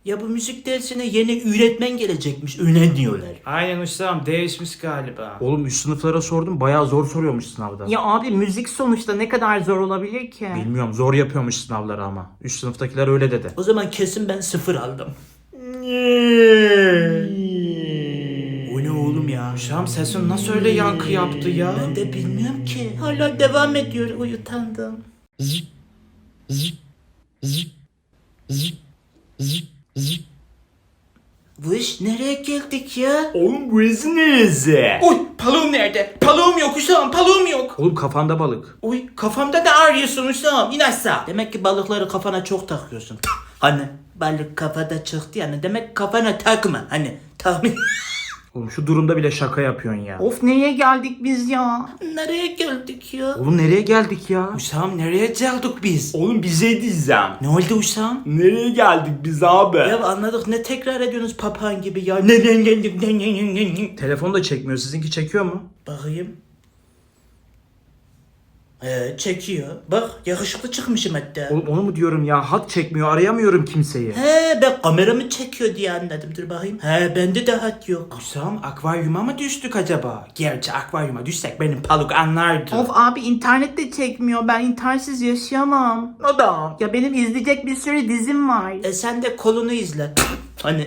Ya bu müzik dersine yeni öğretmen gelecekmiş. Öyle diyorlar. Aynen ustam, değişmiş galiba. Oğlum üst sınıflara sordum, bayağı zor soruyormuş sınavda. Ya abi müzik sonuçta ne kadar zor olabilir ki? Bilmiyorum, zor yapıyormuş sınavları ama. Üst sınıftakiler öyle dedi. O zaman kesin ben 0 aldım. O ne oğlum ya? Ustam sesin nasıl öyle yankı yaptı ya? Ben de bilmiyorum ki. Hala devam ediyor. Uyutandım. Bu iş nereye geldik ya? Oğlum burası neresi? Uy paluğum nerede? Paluğum yok ustam, paluğum yok. Oğlum kafanda balık. Uy kafamda ne arıyorsun ustam? İn aşağı. Demek ki balıkları kafana çok takıyorsun. Hani balık kafada çıktı yani. Demek kafana takma. Hani tahmin. Oğlum şu durumda bile şaka yapıyorsun ya. Of nereye geldik biz ya? Nereye geldik ya? Oğlum nereye geldik ya? Ustam nereye geldik biz? Oğlum bize diyeceğim. Ne oldu Usam? Nereye geldik biz abi? Ya anladık, ne tekrar ediyorsunuz papağan gibi ya. Ne geldik ne. Telefon da çekmiyor. Sizinki çekiyor mu? Bakayım. Çekiyor. Bak yakışıklı çıkmışım hatta. Oğlum onu mu diyorum ya? Hat çekmiyor. Arayamıyorum kimseyi. He, ben kameramı çekiyor diye anladım. Dur bakayım. He, bende de hat yok. Ustam akvaryuma mı düştük acaba? Gerçi akvaryuma düşsek benim paluk anlardı. Of abi internet de çekmiyor. Ben internetsiz yaşayamam. O da. Ya benim izleyecek bir sürü dizim var. Sen de kolunu izle. Hani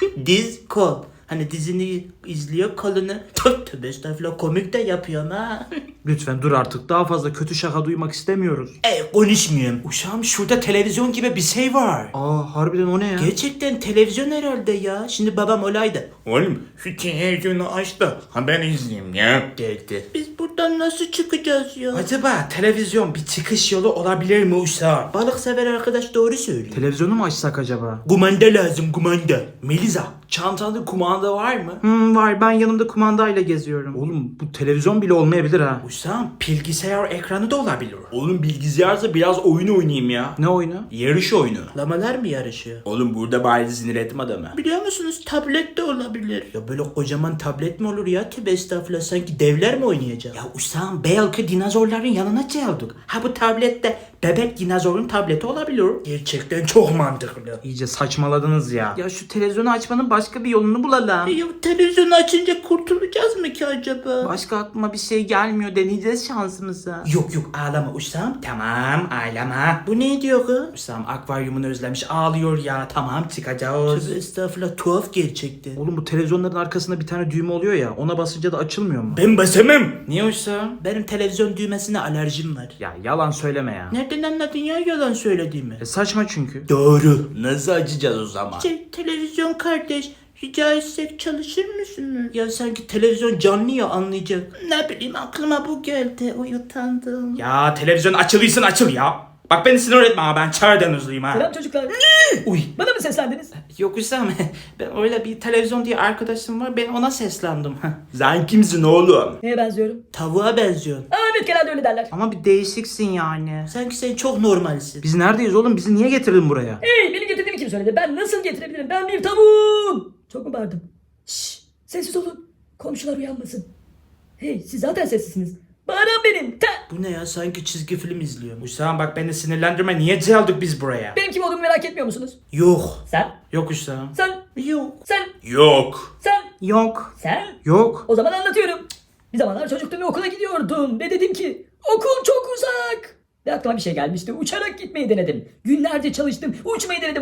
diz kol. Hani dizini izliyor, kolunu. Tövbe estağfurullah, komik de yapıyorum ha. Lütfen dur artık. Daha fazla kötü şaka duymak istemiyoruz. Konuşmuyorum. Ustam şurada televizyon gibi bir şey var. Aa harbiden o ne ya? Gerçekten televizyon herhalde ya. Şimdi babam olaydı. Oğlum şu televizyonu aç da haber izleyeyim ya. Dedi. Biz buradan nasıl çıkacağız ya? Acaba televizyon bir çıkış yolu olabilir mi ustam? Balık sever arkadaş doğru söylüyor. Televizyonu mu açsak acaba? Kumanda lazım, kumanda. Melisa çantanda kumanda var mı? Var, ben yanımda kumandayla geziyorum. Oğlum bu televizyon bile olmayabilir ha. Ustam bilgisayar ekranı da olabilir. Oğlum bilgisayarsa biraz oyun oynayayım ya. Ne oyunu? Yarış oyunu. Lamalar mı yarışıyor? Oğlum burada bari sinir etme adamı. Biliyor musunuz, tablet de olabilir. Ya böyle kocaman tablet mi olur ya? Tövbe estağfurullah, sanki devler mi oynayacak? Ya Usam, belki dinozorların yanına geldik. Ha bu tablette bebek dinozorun tableti olabilir. Gerçekten çok mantıklı. İyice saçmaladınız ya. Ya şu televizyonu açmanın başka bir yolunu bulalım. Ya televizyonu açınca kurtulacağız mı ki acaba? Başka aklıma bir şey gelmiyor. Deneyeceğiz şansımızı. Yok yok, ağlama Usam. Tamam ağlama. Bu ne diyor kız? Ustam akvaryumunu özlemiş ağlıyor ya. Tamam çıkacağız. Tövbe estağfurullah, tuhaf gerçekten. Oğlum bu televizyonların arkasında bir tane düğme oluyor ya. Ona basınca da açılmıyor mu? Ben basamam. Niye ustam? Benim televizyon düğmesine alerjim var. Ya yalan söyleme ya. Nereden anladın ya yalan söylediğimi? Saçma çünkü. Doğru. Nasıl açacağız o zaman? Televizyon kardeş, rica etsek çalışır mısınız? Ya sanki televizyon canlı ya, anlayacak. Ne bileyim, aklıma bu geldi. Utandım. Ya televizyon açılıysan açıl ya. Bak beni sinir etme ha, ben çağırdan hızlıyım ha. Selam çocuklar. Uy. Bana mı seslendiniz? Yok ustam ben öyle bir televizyon diye arkadaşım var, ben ona seslendim. Sen kimsin oğlum? Neye benziyorum? Tavuğa benziyorsun. Aa, evet genelde öyle derler. Ama bir değişiksin yani. Sanki sen çok normalsin. Biz neredeyiz oğlum? Bizi niye getirdin buraya? Hey, beni getirdiğimi kim söyledi? Ben nasıl getirebilirim? Ben bir tavuğum. Çok mu bağırdım? Şşş, sessiz olun. Komşular uyanmasın. Hey, siz zaten sessizsiniz. Bağıran benim. Bu ne ya, sanki çizgi film izliyorum. Ustam bak beni sinirlendirme, niye geldik biz buraya? Benim kim olduğumu merak etmiyor musunuz? Yok. Sen, Yok ustam. sen, Yok. sen, Yok. sen, Yok. sen. Yok. O zaman anlatıyorum. Bir zamanlar çocuktum ve okula gidiyordum. Ve dedim ki okul çok uzak. Ve aklıma bir şey gelmişti. Uçarak gitmeyi denedim. Günlerce çalıştım. Uçmayı denedim.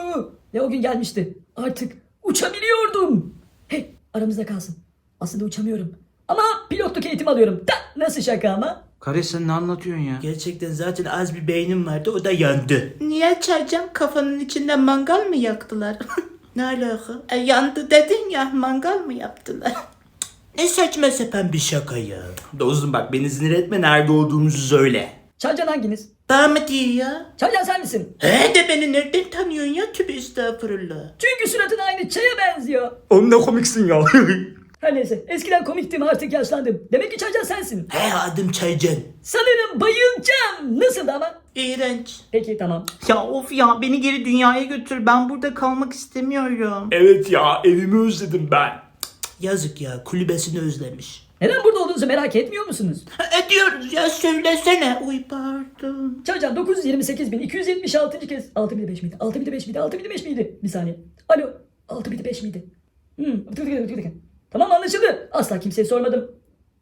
Ve o gün gelmişti. Artık uçabiliyordum. Hey, aramızda kalsın. Aslında uçamıyorum. Ama pilotluk eğitimi alıyorum. Nasıl şaka ama? Kardeş sen ne anlatıyorsun ya? Gerçekten zaten az bir beynim vardı, o da yandı. Niye çaycan, kafanın içinde mangal mı yaktılar? Ne alaka? Yandı dedin ya, mangal mı yaptılar? Ne saçma sapan bir şaka ya. Dostum bak beni sinir etme, nerede olduğumuzu söyle. Çaycan hanginiz? Bana mı diyor ya? Çaycan sen misin? He de beni nereden tanıyorsun ya? Tübe estağfurullah. Çünkü suratın aynı çaya benziyor. Oğlum ne komiksin ya. Her neyse, eskiden komiktim, artık yaşlandım. Demek ki Çaycan sensin. He, adım Çaycan. Sanırım bayılacağım. Nasıldı ama? İğrenç. Peki tamam. Ya of ya, beni geri dünyaya götür. Ben burada kalmak istemiyorum. Evet ya evimi özledim ben. Yazık ya, kulübesini özlemiş. Neden burada olduğunuzu merak etmiyor musunuz? Ediyoruz ya, söylesene. Uy pardon. Çaycan 928.276. kez. 6.5 miydi? 6.5 miydi? 6.5 miydi? Bir saniye. Alo. 6.5 miydi? Tamam, anlaşıldı. Asla kimseye sormadım.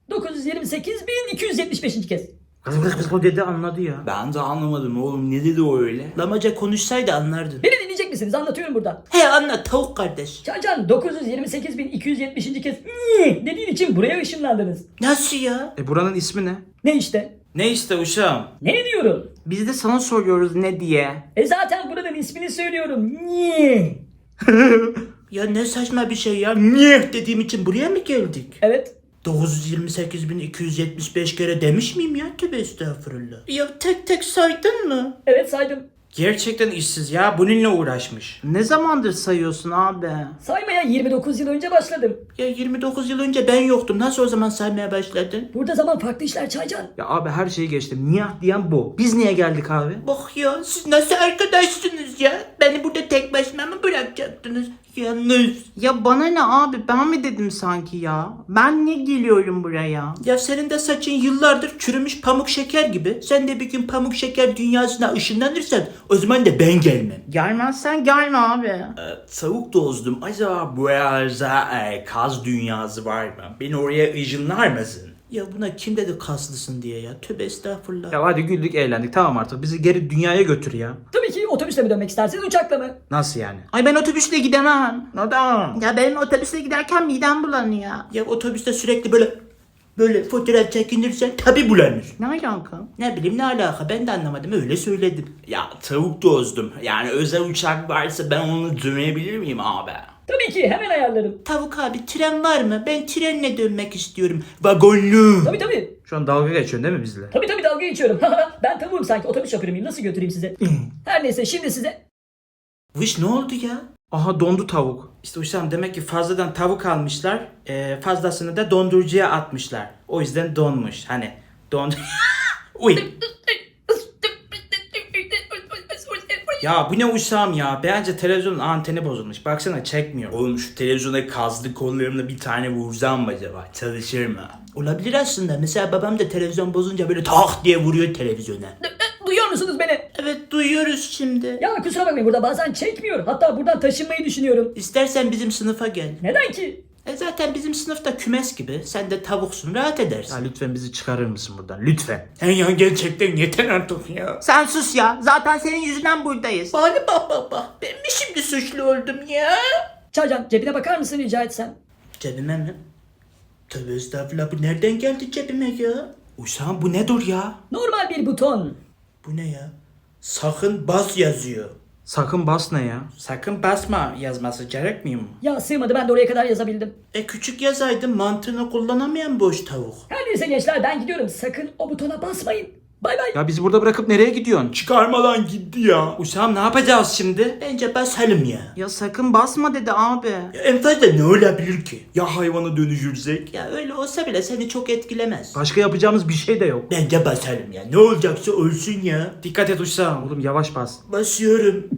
928.275. kez. O dedi anladı ya. Ben de anlamadım oğlum, ne dedi o öyle? Lamaca konuşsaydı anlardın. Beni dinleyecek misiniz? Anlatıyorum burada. He anlat tavuk kardeş. Çaycan 928.270. kez dediğin için buraya ışınlandınız. Nasıl ya? Buranın ismi ne? Ne işte? Ne işte uşağım? Ne diyorum? Biz de sana soruyoruz ne diye. Zaten buranın ismini söylüyorum. Niye? Ya ne saçma bir şey ya. Niye dediğim için buraya mı geldik? Evet. 928.275 kere demiş miyim ya? Tövbe estağfurullah. Ya tek tek saydın mı? Evet, saydım. Gerçekten işsiz ya, bununla uğraşmış. Ne zamandır sayıyorsun abi? Saymaya 29 yıl önce başladım. Ya 29 yıl önce ben yoktum. Nasıl o zaman saymaya başladın? Burada zaman farklı işler Çaycan. Ya abi her şeyi geçtim. Niyah diyen bu. Biz niye geldik abi? Bak ya, siz nasıl arkadaşsınız ya? Beni burada tek başıma mı bırakacaktınız? Yalnız. Ya bana ne abi, ben mi dedim sanki ya? Ben niye geliyorum buraya? Ya senin de saçın yıllardır çürümüş pamuk şeker gibi. Sen de bir gün pamuk şeker dünyasına ışınlanırsan o zaman da ben gelmem. Gelmezsen gelme abi. Tavuk dostum, acaba bu arada kaz dünyası var mı? Beni oraya ışınlar mısın? Ya buna kim dedi kaslısın diye ya? Tövbe estağfurullah. Ya hadi güldük eğlendik, tamam artık bizi geri dünyaya götür ya. Tabii ki otobüsle mi dönmek isterseniz, uçakla mı? Nasıl yani? Ay ben otobüsle gidemem. Neden? Ya benim otobüse giderken midem bulanıyor. Ya otobüste sürekli böyle fotoğraf çekinirsen tabi bulanır. Ne alaka? Ne bileyim ne alaka, ben de anlamadım, öyle söyledim. Ya tavuk dostum, yani özel uçak varsa ben onu dönebilir miyim abi? Tabii ki, hemen ayarlarım. Tavuk abi, tren var mı? Ben trenle dönmek istiyorum. Vagonlu. Tabii. Şu an dalga geçiyorsun değil mi bizle? Tabii dalga geçiyorum. Ben tavuğum sanki, otobüs şoförü müyüm? Nasıl götüreyim size? Her neyse, şimdi size... Vış, ne oldu ya? Aha dondu tavuk. İşte uşağım, demek ki fazladan tavuk almışlar, fazlasını da dondurucuya atmışlar. O yüzden donmuş, hani Uy. Ya bu ne uşağım ya? Bence televizyonun anteni bozulmuş. Baksana, çekmiyor. Oğlum şu televizyona kazlı kollarımla bir tane vursam mı acaba? Çalışır mı? Olabilir aslında. Mesela babam da televizyon bozunca böyle tak diye vuruyor televizyona. Duyuyor musunuz beni? Evet, duyuyoruz şimdi. Ya kusura bakmayın, burada bazen çekmiyor. Hatta buradan taşınmayı düşünüyorum. İstersen bizim sınıfa gel. Neden ki? Zaten bizim sınıfta kümes gibi. Sen de tavuksun, rahat edersin. Ya lütfen bizi çıkarır mısın buradan? Lütfen. Ya gerçekten yeter artık ya. Sen sus ya. Zaten senin yüzünden buradayız. Bak. Ben mi şimdi suçlu oldum ya? Çaycan, cebine bakar mısın rica etsem? Cebime mi? Tövbe estağfurullah, bu nereden geldi cebime ya? Uşağım bu nedir ya? Normal bir buton. Bu ne ya? Sakın bas yazıyor. Sakın bas ne ya? Sakın basma yazması gerekmiyor mu? Ya sığmadı, ben de oraya kadar yazabildim. Küçük yazaydım, mantığını kullanamayan boş tavuk. Her neyse gençler, ben gidiyorum. Sakın o butona basmayın. Bay bay. Ya bizi burada bırakıp nereye gidiyorsun? Çıkarmadan gitti ya. Uşağım ne yapacağız şimdi? Bence basalım ya. Ya sakın basma dedi abi. En fazla ne olabilir ki? Ya hayvana dönüşürsek? Ya öyle olsa bile seni çok etkilemez. Başka yapacağımız bir şey de yok. Bence basalım ya. Ne olacaksa olsun ya. Dikkat et uşağım. Oğlum yavaş bas. Basıyorum.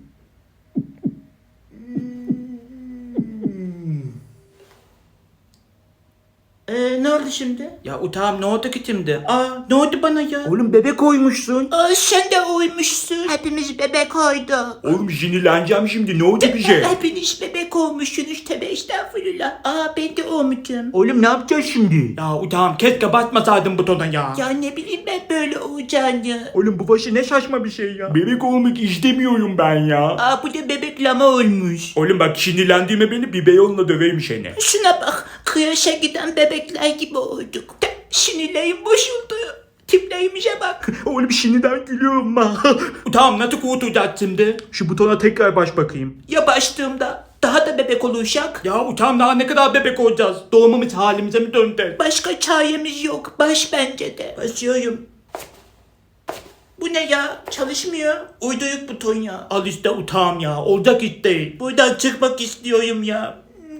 Ne oldu şimdi? Ya utağım ne oldu ki şimdi? Ne oldu bana ya? Oğlum bebek koymuşsun. Sen de uymuşsun. Hepimiz bebek oyduk. Oğlum sinirleneceğim şimdi, ne oldu bize? Hepiniz bebek olmuşsunuz, tövbe estağfurullah. Ben de olmuşum. Oğlum ne yapacağız şimdi? Ya utağım, keşke basmasaydın butona ya. Ya ne bileyim ben böyle olacağını. Oğlum bu başı ne şaşma bir şey ya. Bebek olmak istemiyorum ben ya. Bu da bebek lama olmuş. Oğlum bak, sinirlendiğime beni bir beyonla döveyim seni. Şuna bak, kıyaşa giden bebekler gibi olduk. Sinirlerim boşuldu. Tiplerimize bak. Oğlum şimdiden gülüyorum ben. Utağım nasıl kurtulacağız şimdi? Şu butona tekrar baş bakayım. Ya başladığımda daha da bebek olacak. Ya utağım, daha ne kadar bebek olacağız? Doğumumuz halimize mi döndü? Başka çaremiz yok. Baş bence de. Basıyorum. Bu ne ya? Çalışmıyor. Uyduyuk buton ya. Al işte utağım ya, olacak iş değil. Buradan çıkmak istiyorum ya.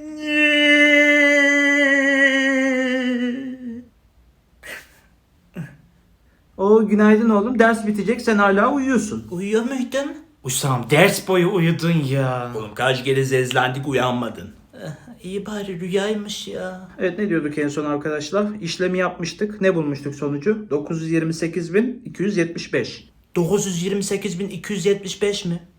Günaydın oğlum. Ders bitecek, sen hala uyuyorsun. Uyuyor muydun? Uşağım ders boyu uyudun ya. Oğlum kaç kere zezlendik, uyanmadın. İyi bari rüyaymış ya. Evet, ne diyorduk en son arkadaşlar? İşlemi yapmıştık. Ne bulmuştuk sonucu? 928.275. 928.275 mi?